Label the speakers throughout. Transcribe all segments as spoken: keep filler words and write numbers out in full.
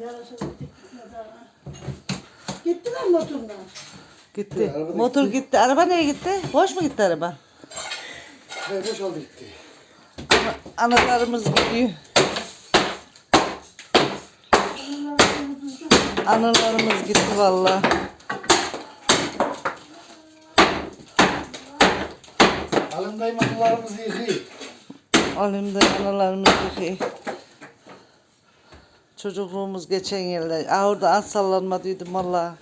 Speaker 1: Gittiler motorla.
Speaker 2: Gitti. Araba Motor gitti. gitti. Araba nereye gitti? Boş mu gitti araba?
Speaker 3: Hayır boşaldı gitti.
Speaker 2: Ana, analarımız gidiyor. Analarımız gitti vallahi.
Speaker 3: Alındayım analarımızı yıkayım.
Speaker 2: Alimde analarımız yıkayım. Çocukluğumuz geçen yerler. Aa, orada az sallanmadıydım vallahi.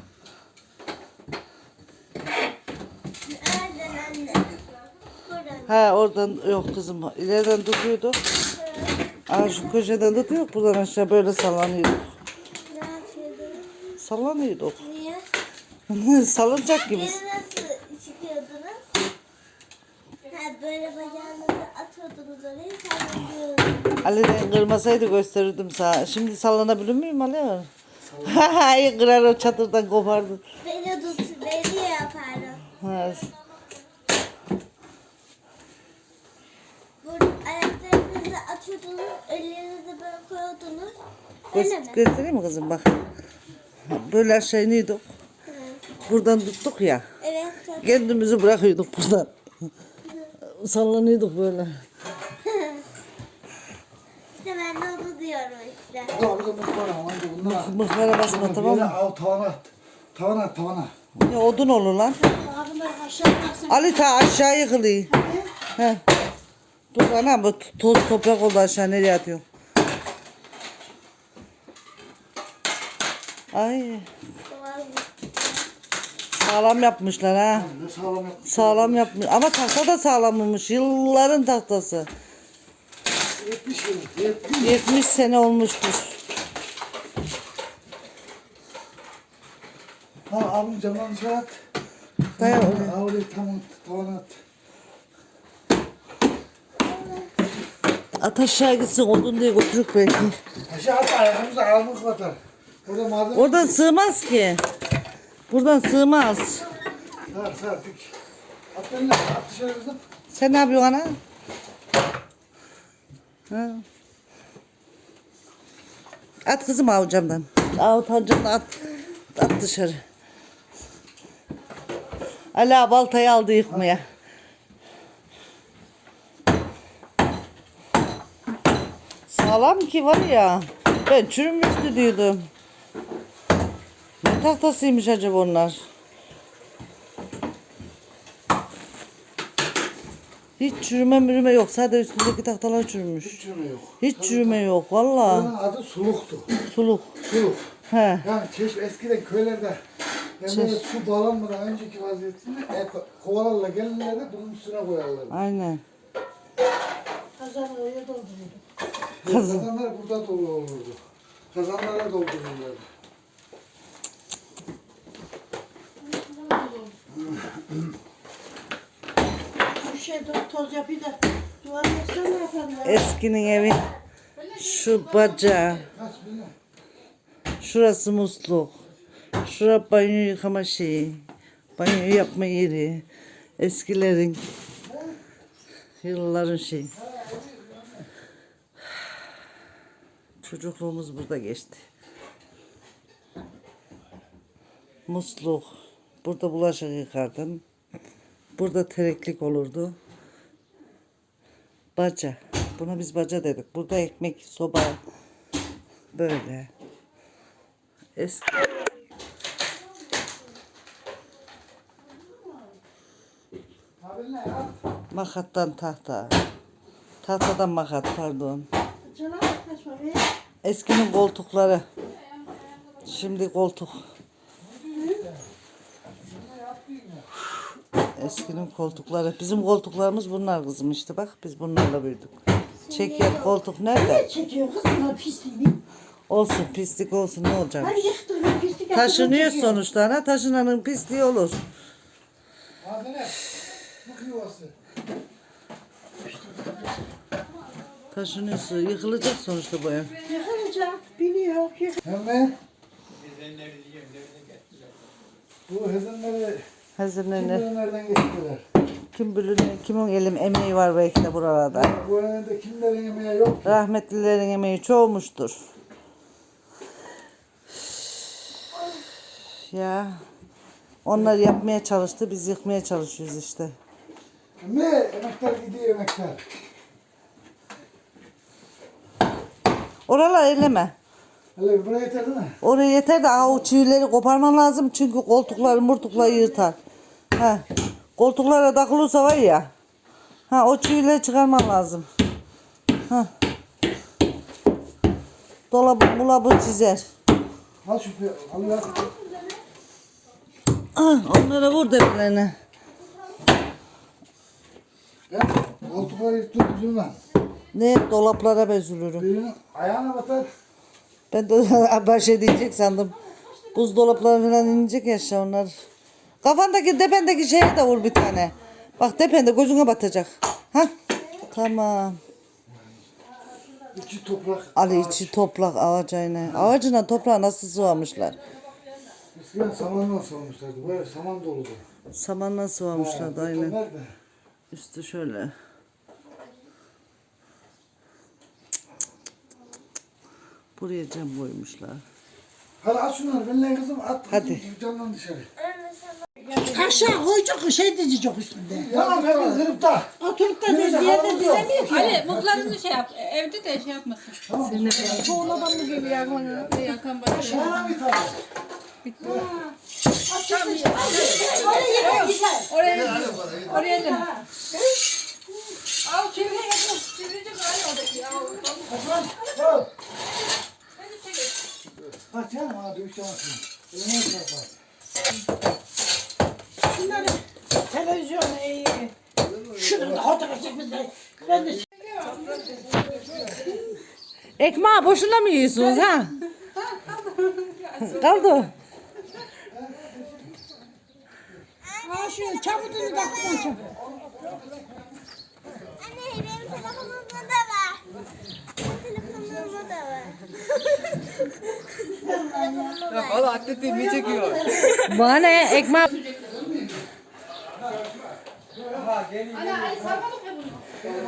Speaker 2: Ha oradan yok kızım. İleriden tutuyorduk. Aa şu köşeden tutuyorduk. Buradan aşağı böyle sallanıyorduk.
Speaker 4: Ne yapıyordunuz?
Speaker 2: Sallanıyorduk.
Speaker 4: Niye?
Speaker 2: Salınacak gibi.
Speaker 4: Beni nasıl çıkıyordunuz? Ha, böyle bacağınızı atıyordunuz oraya sallanıyordunuz.
Speaker 2: Ali'den kırmasaydı gösterirdim sana. Şimdi sallanabilir miyim Ali? Hayır kırar o çadırdan kopardı.
Speaker 4: Beni tut, beni yapardım.
Speaker 2: Ha.
Speaker 4: Bu ayaklarınızı atıyordunuz, ellerinizi böyle koyuyordunuz. Öyle
Speaker 2: Gö
Speaker 4: mi?
Speaker 2: göstereyim mi kızım bak. Böyle aşağı iniyorduk.
Speaker 4: Hı.
Speaker 2: Buradan tuttuk ya.
Speaker 4: Evet. Çok...
Speaker 2: Kendimizi bırakıyorduk buradan. Sallanıyorduk böyle.
Speaker 4: İşte ben de onu diyorum işte.
Speaker 3: Bu da burada mıhbara ama bunlar.
Speaker 2: Mıhbara basma tamam
Speaker 3: Böyle
Speaker 2: mı?
Speaker 3: al tavana at. Tavana at tavana.
Speaker 2: Ya odun olur lan.
Speaker 1: Abimler aşağı baksana.
Speaker 2: Ali ta aşağı yıkılıyor. He. Dur ana bu toz toprak oldu aşağı nereye atıyor? Ay sağlam yapmışlar ha.
Speaker 3: Ne sağlam yapmış.
Speaker 2: Sağlam yapmış ama tahta da sağlammış. Yılların tahtası.
Speaker 3: yetmiş yıl. yetmiş.
Speaker 2: yetmiş sene olmuştur.
Speaker 3: Ha abim camdan dışarı at.
Speaker 2: Dayan
Speaker 3: Ha,
Speaker 2: oraya.
Speaker 3: ha, oraya tam tavana at.
Speaker 2: At aşağı gitsin odun diye götürük belki.
Speaker 3: Aşağı at ayağımızı ayağımız batar. Orada malzeme.
Speaker 2: Oradan sığmaz ki. Buradan sığmaz.
Speaker 3: Sar sar dik. At eline at dışarı kızım.
Speaker 2: Sen ne yapıyorsun ana? Ha. At kızım avucamdan. Avucamdan at. At dışarı. Ala baltayı aldı yıkmaya. Sağlam ki var ya. Ben çürümüştü diyordum. Ne tahtasıymış acaba onlar? Hiç çürüme mürüme yok. Sadece üstündeki tahtalar çürümüş.
Speaker 3: Hiç çürüme yok.
Speaker 2: Hiç çürüme yok valla.
Speaker 3: Buranın adı suluktu.
Speaker 2: Suluk.
Speaker 3: Suluk.
Speaker 2: He.
Speaker 3: Yani çeşme eskiden köylerde yani böyle su bağlanmadan önceki vaziyetinde e, kovalarla gelirlerdi bunun üstüne koyarlardı.
Speaker 2: Aynen.
Speaker 1: Kazanı oraya dolduruyorduk.
Speaker 3: Kazanlar burada dolu olurdu. Kazanlara doldururlardı.
Speaker 1: Bir şey do- toz yapıyor da duvar yapsa ne yaparlar?
Speaker 2: Eskinin evi. Şu bacağı.
Speaker 3: Kaç bilmem.
Speaker 2: Şurası musluk. Şura banyo yıkama şeyi. Banyo yapma yeri. Eskilerin. Yılların şeyi. Çocukluğumuz burada geçti. Musluk. Burada bulaşık yıkardım. Burada tereklik olurdu. Baca. Buna biz baca dedik. Burada ekmek, soba. Böyle. Eski.
Speaker 3: Abi ne ya?
Speaker 2: Makattan tahta. Tahtadan makat pardon.
Speaker 1: Canım kaçma be.
Speaker 2: Eskinin koltukları. Şimdi koltuk. Eskinin koltukları. Bizim koltuklarımız bunlar kızım işte bak biz bunlarla büyüdük. Çeker koltuk nerede?
Speaker 1: Ne çekiyor kız buna pisliğini?
Speaker 2: Olsun pislik olsun ne olacak?
Speaker 1: Ben yıktım ben pislik yaptım.
Speaker 2: Taşınıyor sonuçta ana taşınanın pisliği olur.
Speaker 3: Abi ne? Bu yuvası.
Speaker 2: Taşınıyorsa yıkılacak sonuçta bu ev.
Speaker 1: Yıkılacak biliyor. Yık-
Speaker 3: Hemen. Bu hezenleri
Speaker 2: Hazırlanır.
Speaker 3: kimden nereden getirdiler?
Speaker 2: Kim bilir kimin elim emeği var belki de buralarda.
Speaker 3: Bu evde kimlerin yemeği yok.
Speaker 2: Rahmetlilerin emeği çoğumuştur. Ya. Onlar yapmaya çalıştı, biz yıkmaya çalışıyoruz işte.
Speaker 3: Ne? Emekler gidiyor emekler.
Speaker 2: Oralar elleme.
Speaker 3: Hele buraya yeter değil mi?
Speaker 2: Oraya yeter de aa, o çivileri koparman lazım çünkü koltukları murtukları yırtar. Ha. Koltuklara takılırsa var ya. Ha, o çivileri çıkarman lazım. Ha. Dolabı mulabı çizer.
Speaker 3: Al şu al ya.
Speaker 2: Ah, onlara vur demirlerine.
Speaker 3: Ben koltukları tut üzülmem.
Speaker 2: Ne dolaplara bezülürüm.
Speaker 3: Birinin ayağına batar.
Speaker 2: Ben de baş edecek sandım. Buzdolapları falan inecek ya aşağı onlar. Kafandaki tependeki şeye de vur bir tane. Bak tepende gözüne batacak. Ha? Tamam.
Speaker 3: İçi toprak.
Speaker 2: Ali içi toprak ağacına. Ağacına toprağı nasıl sıvamışlar?
Speaker 3: Eskiden samanla savunmuşlardı. Böyle saman doludu.
Speaker 2: Samanla sıvamışlar da aynen.
Speaker 3: Nerede?
Speaker 2: Üstü şöyle. Buraya cam koymuşlar.
Speaker 3: Hadi at şunları benimle kızım at.
Speaker 2: Hadi.
Speaker 3: Camdan dışarı.
Speaker 1: Aşağı koyacak şey dizecek üstünde.
Speaker 3: Tamam hemen kırıp da.
Speaker 1: Oturup da diz diye de dizemiyor ki.
Speaker 5: Ali mutlarını şey yap. Evde de şey yapmasın. Tuğladan mı gibi yakan yakan bana.
Speaker 3: Bana bir tane.
Speaker 5: Oraya oraya da. Al çevire yapın. Çevirecek hali oradaki. Al.
Speaker 3: Al. Bak canım bana dövüş yapmasın. Eline çarpar.
Speaker 1: Şunları televizyonu iyi. Şunu da fotoğraf çekmişler. Ben de
Speaker 2: Ekmeği boşuna mı yiyorsunuz ha? Kaldı.
Speaker 1: ha şu çabutunu da koyacağım.
Speaker 4: Anne benim telefonumda da var. Benim telefonumda da var.
Speaker 6: Valla atletin ne çekiyor?
Speaker 2: Bana ne ekmeği?
Speaker 5: Ana Ali sarmadık ya bunu.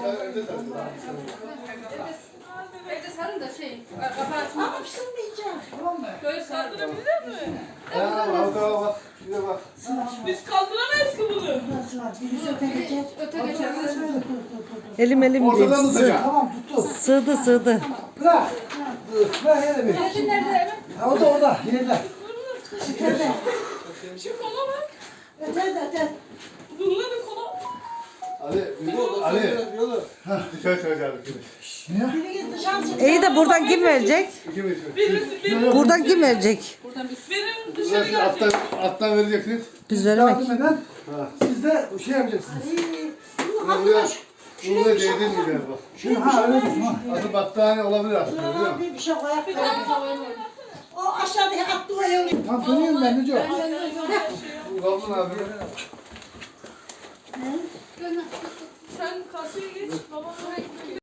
Speaker 5: Evde sarın da şey. Kafa açma.
Speaker 1: Ama pişirmeyeceğim.
Speaker 5: Böyle sardırabilir mi?
Speaker 3: Ya bak bak. Şuraya bak.
Speaker 5: Biz kaldıramayız ki bunu.
Speaker 1: Nasıl var? Birisi öte geçer.
Speaker 5: Öte geçer.
Speaker 2: Elim elim değil.
Speaker 3: Ortadan
Speaker 2: Sığ,
Speaker 3: tutacağım. Tamam tuttu.
Speaker 2: sığdı sığdı.
Speaker 3: Bırak. Bırak yere bir.
Speaker 5: Nerede nerede evet?
Speaker 3: Ha o da orada. Yerde.
Speaker 1: Öte.
Speaker 5: Şu kola bak.
Speaker 1: Öte de öte.
Speaker 5: Bununla bir kola.
Speaker 7: Ali, Ali. Dışarı çıkacağız ikimiz.
Speaker 1: Biri git dışarı çık.
Speaker 2: İyi de buradan kim verecek?
Speaker 7: İkimiz.
Speaker 2: Buradan kim verecek?
Speaker 5: Buradan bir benim dışarı
Speaker 7: Burası alttan, alttan vereceksiniz.
Speaker 2: Biz veremek.
Speaker 3: Yardım eden. Siz de şey yapacaksınız.
Speaker 7: Bunu buraya, bunu buraya değdirmeyeceğiz bak.
Speaker 3: Şunu ha öyle tutun ha.
Speaker 7: Adı battaniye olabilir aslında biliyor musun?
Speaker 1: Bir bir şey koyak. O aşağıdaki attığı yolu.
Speaker 3: Tam tanıyorum ben Neco.
Speaker 7: Bu Gavlun abi.
Speaker 5: Sen karşıya geç. Babam oraya gidiyor.